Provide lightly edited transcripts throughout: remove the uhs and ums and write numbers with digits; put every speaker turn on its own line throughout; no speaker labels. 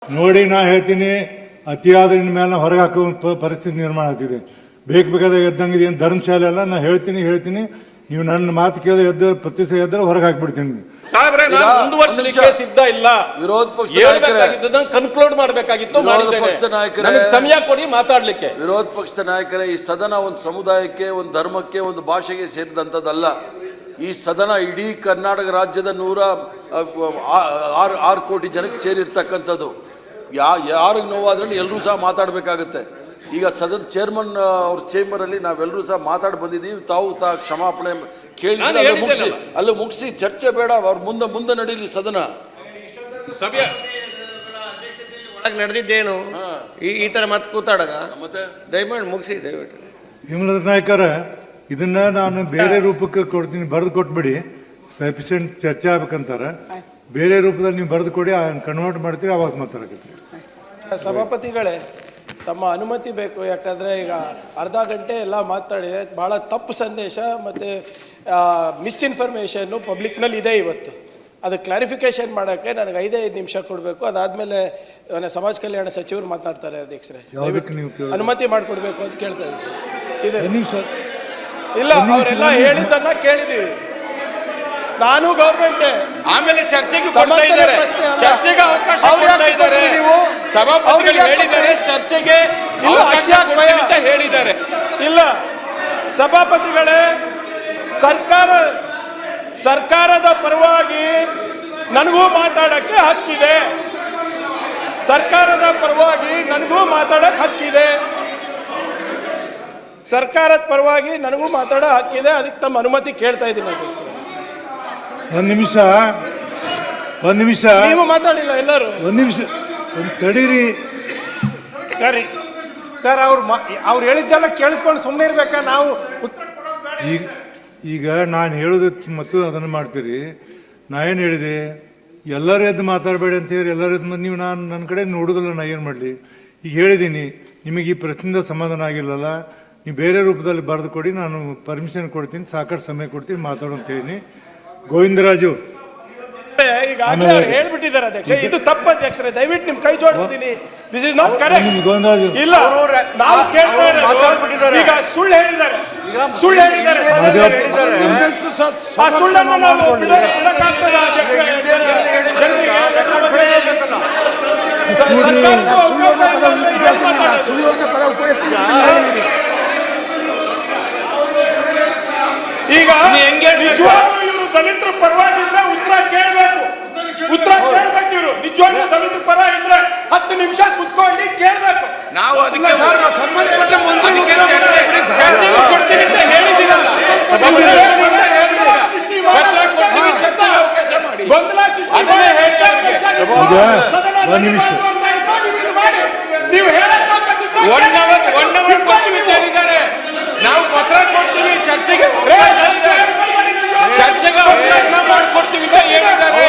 ನೋಡಿ ನಾ ಹೇಳ್ತೀನಿ, ಅತಿಯಾದ ಮೇಲೆ ಹೊರಗೆ ಹಾಕುವ ಪರಿಸ್ಥಿತಿ ನಿರ್ಮಾಣ ಆಗ್ತಿದೆ. ಬೇಕಾದಾಗ ಎದ್ದಂಗಿದೆ, ಏನು ಧರ್ಮಶಾಲೆ ಅಲ್ಲ. ನಾ ಹೇಳ್ತೀನಿ, ನೀವು ನನ್ನ ಮಾತು ಕೇಳಿದ್ರೆ ಎದ್ದು ಪ್ರತಿಷ್ಠೆ ಎದ್ದರೆ ಹೊರಗೆ ಹಾಕ್ಬಿಡ್ತೀನಿ.
ಮುಂದುವರಿಸಲಿಕ್ಕೆ ಸಿದ್ಧ ಇಲ್ಲ.
ವಿರೋಧ ಪಕ್ಷ
ಕನ್ಕ್ಲೂಡ್ ಮಾಡಬೇಕಾಗಿತ್ತು. ಸಮಯ ಕೊಡಿ ಮಾತಾಡ್ಲಿಕ್ಕೆ.
ವಿರೋಧ ಪಕ್ಷದ ನಾಯಕರೇ, ಈ ಸದನ ಒಂದು ಸಮುದಾಯಕ್ಕೆ, ಒಂದು ಧರ್ಮಕ್ಕೆ, ಒಂದು ಭಾಷೆಗೆ ಸೇರಿದಂಥದ್ದಲ್ಲ. ಈ ಸದನ ಇಡೀ ಕರ್ನಾಟಕ ರಾಜ್ಯದ 106 ಕೋಟಿ ಜನಕ್ಕೆ ಸೇರಿರ್ತಕ್ಕಂಥದ್ದು. ಯಾರಿಗೆ ನೋವಾದ್ರೂ ಎಲ್ಲರೂ ಸಹ ಮಾತಾಡಬೇಕಾಗತ್ತೆ. ಈಗ ಸದನ ಚೇರ್ಮನ್ ಅವ್ರ ಚೇಂಬರಲ್ಲಿ ನಾವೆಲ್ಲರೂ ಸಹ ಮಾತಾಡಿ ಬಂದಿದ್ದೀವಿ. ತಾವು ಕ್ಷಮಾಪಣೆ ಕೇಳಿ ಅಲ್ಲಿ ಮುಗಿಸಿ ಚರ್ಚೆ ಬೇಡ. ಅವ್ರ ಮುಂದೆ ನಡೀಲಿ ಸದನ.
ಸಭೆ ನಡೆದಿದ್ದೇನು ಈ ತರ ಮತ್ತೆ ಕೂತಾಡಗ ದಯಮಾಡಿ ಮುಗಿಸಿ. ದಯವಿಟ್ಟು
ವಿಮಲದ ನಾಯಕರ, ಇದನ್ನ ನಾನು ಬೇರೆ ರೂಪಕ್ಕೆ ಕೊಡ್ತೀನಿ, ಬರೆದು ಕೊಟ್ಬಿಡಿ. ಸಫಿಷಿಯೆಂಟ್ ಚರ್ಚೆ ಆಗ್ಬೇಕಂತಾರೆ. ಬೇರೆ ರೂಪದಲ್ಲಿ ನೀವು ಬರೆದು ಕೊಡಿ, ಕನ್ವರ್ಟ್ ಮಾಡ್ತೀವಿ, ಅವಾಗ ಮಾತಾಡಕತ್ತೀವಿ.
ಸಭಾಪತಿಗಳೇ, ತಮ್ಮ ಅನುಮತಿ ಬೇಕು. ಯಾಕಂದರೆ ಈಗ ಅರ್ಧ ಗಂಟೆ ಎಲ್ಲ ಮಾತಾಡಿ ಭಾಳ ತಪ್ಪು ಸಂದೇಶ ಮತ್ತು ಮಿಸ್ಇನ್ಫಾರ್ಮೇಷನ್ನು ಪಬ್ಲಿಕ್ನಲ್ಲಿ ಇದೆ ಇವತ್ತು. ಅದು ಕ್ಲಾರಿಫಿಕೇಶನ್ ಮಾಡೋಕ್ಕೆ ನನಗೆ 5 ನಿಮಿಷ ಕೊಡಬೇಕು. ಅದಾದಮೇಲೆ ಸಮಾಜ ಕಲ್ಯಾಣ ಸಚಿವರು ಮಾತನಾಡ್ತಾರೆ. ಅಧ್ಯಕ್ಷರೇ, ಅನುಮತಿ ಮಾಡಿಕೊಡ್ಬೇಕು ಅಂತ ಕೇಳ್ತಾ ಇದ್ದೀನಿ. ಇಲ್ಲ, ಅವರೆಲ್ಲ ಹೇಳಿದ್ದನ್ನ ಕೇಳಿದ್ದೀವಿ. ನಾನು ಗೌರ್ಮೆಂಟ್
ಆಮೇಲೆ ಚರ್ಚೆಗೆ ಅವಕಾಶ ಕೊಡ್ತಾ ಇದ್ದಾರೆ. ಸಭಾಪತಿಗಳು ಹೇಳಿದ್ದಾರೆ ಚರ್ಚೆಗೆ ಅವಕಾಶ ಅಂತ ಹೇಳಿದ್ದಾರೆ.
ಇಲ್ಲ ಸಭಾಪತಿಗಳೇ, ಸರ್ಕಾರದ ಪರವಾಗಿ ನನಗೂ ಮಾತಾಡಕ್ಕೆ ಹಕ್ಕಿದೆ. ಸರ್ಕಾರದ ಪರವಾಗಿ ನನಗೂ ಮಾತಾಡಕ್ಕೆ ಹಕ್ಕಿದೆ. ಸರ್ಕಾರದ ಪರವಾಗಿ ನನಗೂ ಮಾತಾಡೋ ಹಕ್ಕಿದೆ. ಅದಕ್ಕೆ ತಮ್ಮ ಅನುಮತಿ ಕೇಳ್ತಾ ಇದ್ದೀನಿ ಅಧ್ಯಕ್ಷರೇ.
ಒಂದು ನಿಮಿಷ
ನೀವು ಮಾತಾಡಿಲ್ಲ ಎಲ್ಲರೂ.
ಒಂದು ನಿಮಿಷ ತಡೀರಿ.
ಸರಿ ಸರ್, ಅವ್ರು ಹೇಳಿದ್ದೆಲ್ಲ ಕೇಳಿಸ್ಕೊಂಡು ಸುಮ್ಮನೆ ಇರ್ಬೇಕಾ? ನಾವು
ಈಗ ನಾನು ಹೇಳೋದಕ್ಕೆ ಮತ್ತು ಅದನ್ನು ಮಾಡ್ತೀರಿ. ನಾ ಏನು ಹೇಳಿದೆ, ಎಲ್ಲರೂ ಎದ್ದು ಮಾತಾಡಬೇಡಿ ಅಂತ ಹೇಳಿ ಎಲ್ಲರೂ ಎದ್ದು ನೀವು ನನ್ನ ಕಡೆ ನೋಡೋದಿಲ್ಲ. ನಾ ಏನು ಮಾಡಲಿ? ಈಗ ಹೇಳಿದ್ದೀನಿ, ನಿಮಗೆ ಈ ಪ್ರಶ್ನೆಯಿಂದ ಸಮಾಧಾನ ಆಗಿಲ್ಲಲ್ಲ, ನೀವು ಬೇರೆ ರೂಪದಲ್ಲಿ ಬರೆದು ಕೊಡಿ, ನಾನು ಪರ್ಮಿಷನ್ ಕೊಡ್ತೀನಿ, ಸಾಕಷ್ಟು ಸಮಯ ಕೊಡ್ತೀನಿ, ಮಾತಾಡೋ ಅಂತ ಹೇಳಿ. ಗೋವಿಂದರಾಜು
ಈಗ ಹೇಳ್ಬಿಟ್ಟಿದ್ದಾರೆ ಅಧ್ಯಕ್ಷ, ಇದು ತಪ್ಪು ಅಧ್ಯಕ್ಷರೇ. ದಯವಿಟ್ಟು ನಿಮ್ ಕೈ ಜೋಡಿಸ್ತೀನಿ. This is not correct. ಇಲ್ಲ, ನಾವು ಕೇಳ್ತಾ ಇರೋದು ಈಗ ಸುಳ್ಳು ಹೇಳಿದ್ದಾರೆ. ಆ ಸುಳ್ಳನ್ನು ನಾವು ಬಿಡಕ್ಕಾಗ್ತದ ಅಧ್ಯಕ್ಷರೇ? ಈಗ ಇವರು ದಲಿತರ ಪರವಾಗಿದ್ರೆ ಉತ್ತರ ಕೇಳಬೇಕು. ಇವರು ನಿಜವಾಗ್ಲೂ ದಲಿತರ ಪರ ಇದ್ರೆ 10 ನಿಮಿಷ ಕುತ್ಕೊಂಡು ಕೇಳಬೇಕು.
ನಾವು ಅದಕ್ಕೆ ಸಂಬಂಧಪಟ್ಟ ಮಂತ್ರಿಗಳು ಕೊಡ್ತೀವಿ ಅಂತ ಹೇಳಿದ್ದೀರಲ್ಲ. ಗೊಂದಲ ಸೃಷ್ಟಿ ನೀವು ಹೇಳಕ್ಕಾಗದಿದ್ರೆ 1 ಅವರ್ ಕೊಡ್ತೀವಿ ಅಂತ ಹೇಳಿದ್ದಾರೆ. ನಾವು ಪತ್ರ ಕೊಡ್ತೀವಿ, ಚರ್ಚೆಗೆ ಅವಕಾಶ ಮಾಡಿಕೊಡ್ತೀವಿ ಅಂತ ಹೇಳಿದ್ದಾರೆ.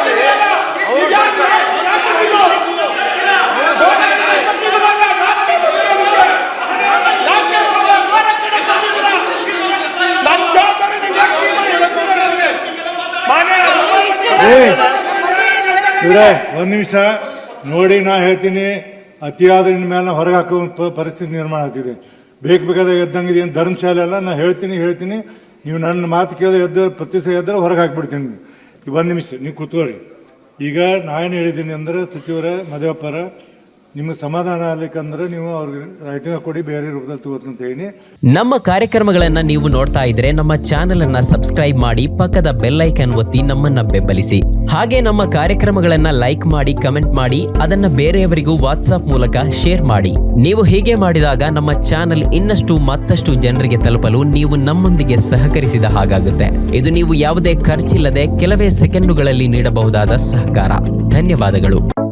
ಒಂದು ನಿಮಿಷ ನೋಡಿ, ನಾ ಹೇಳ್ತೀನಿ, ಅತಿಯಾದ ಮೇಲೆ ಹೊರಗೆ ಹಾಕುವ ಪರಿಸ್ಥಿತಿ ನಿರ್ಮಾಣ ಆಗ್ತಿದೆ. ಬೇಕಾದಾಗ ಎದ್ದಂಗಿದೆ, ಏನು ಧರ್ಮಶಾಲೆ ಅಲ್ಲ. ನಾ ಹೇಳ್ತೀನಿ, ನೀವು ನನ್ನ ಮಾತು ಕೇಳಿದ್ರೆ ಎದ್ದು ಪ್ರತಿಷ್ಠೆ ಎದ್ದರೆ ಹೊರಗೆ ಹಾಕ್ಬಿಡ್ತೀನಿ. 1 ನಿಮಿಷ ನೀವು ಕೂತ್ಕೊಳ್ಳಿ. ಈಗ ನಾನು ಹೇಳಿದ್ದೀನಿ ಅಂದರೆ, ಸಚಿವರ ಮದುವೆಪ್ಪರ, ನಿಮಗೆ ಸಮಾಧಾನ ಆಗ್ಲಿಕ್ಕಂದ್ರೆ ನೀವು ಅವ್ರಿಗೆ ರೈಟಿಂಗ್ ಕೊಡಿ, ಬೇರೆ ರೂಪದಲ್ಲಿ ತಗೋತೀನಿ ಅಂತ ಹೇಳಿ.
ನಮ್ಮ ಕಾರ್ಯಕ್ರಮಗಳನ್ನು ನೀವು ನೋಡ್ತಾ ಇದ್ರೆ ನಮ್ಮ ಚಾನೆಲ್ ಅನ್ನ ಸಬ್ಸ್ಕ್ರೈಬ್ ಮಾಡಿ, ಪಕ್ಕದ ಬೆಲ್ ಐಕಾನ್ ಒತ್ತಿ ನಮ್ಮನ್ನ ಬೆಂಬಲಿಸಿ. ಹಾಗೆ ನಮ್ಮ ಕಾರ್ಯಕ್ರಮಗಳನ್ನ ಲೈಕ್ ಮಾಡಿ, ಕಮೆಂಟ್ ಮಾಡಿ, ಅದನ್ನ ಬೇರೆಯವರಿಗೂ ವಾಟ್ಸ್ಆಪ್ ಮೂಲಕ ಶೇರ್ ಮಾಡಿ. ನೀವು ಹೀಗೆ ಮಾಡಿದಾಗ ನಮ್ಮ ಚಾನೆಲ್ ಮತ್ತಷ್ಟು ಜನರಿಗೆ ತಲುಪಲು ನೀವು ನಮ್ಮೊಂದಿಗೆ ಸಹಕರಿಸಿದ ಹಾಗಾಗುತ್ತೆ. ಇದು ನೀವು ಯಾವುದೇ ಖರ್ಚಿಲ್ಲದೆ ಕೆಲವೇ ಸೆಕೆಂಡುಗಳಲ್ಲಿ ನೀಡಬಹುದಾದ ಸಹಕಾರ. ಧನ್ಯವಾದಗಳು.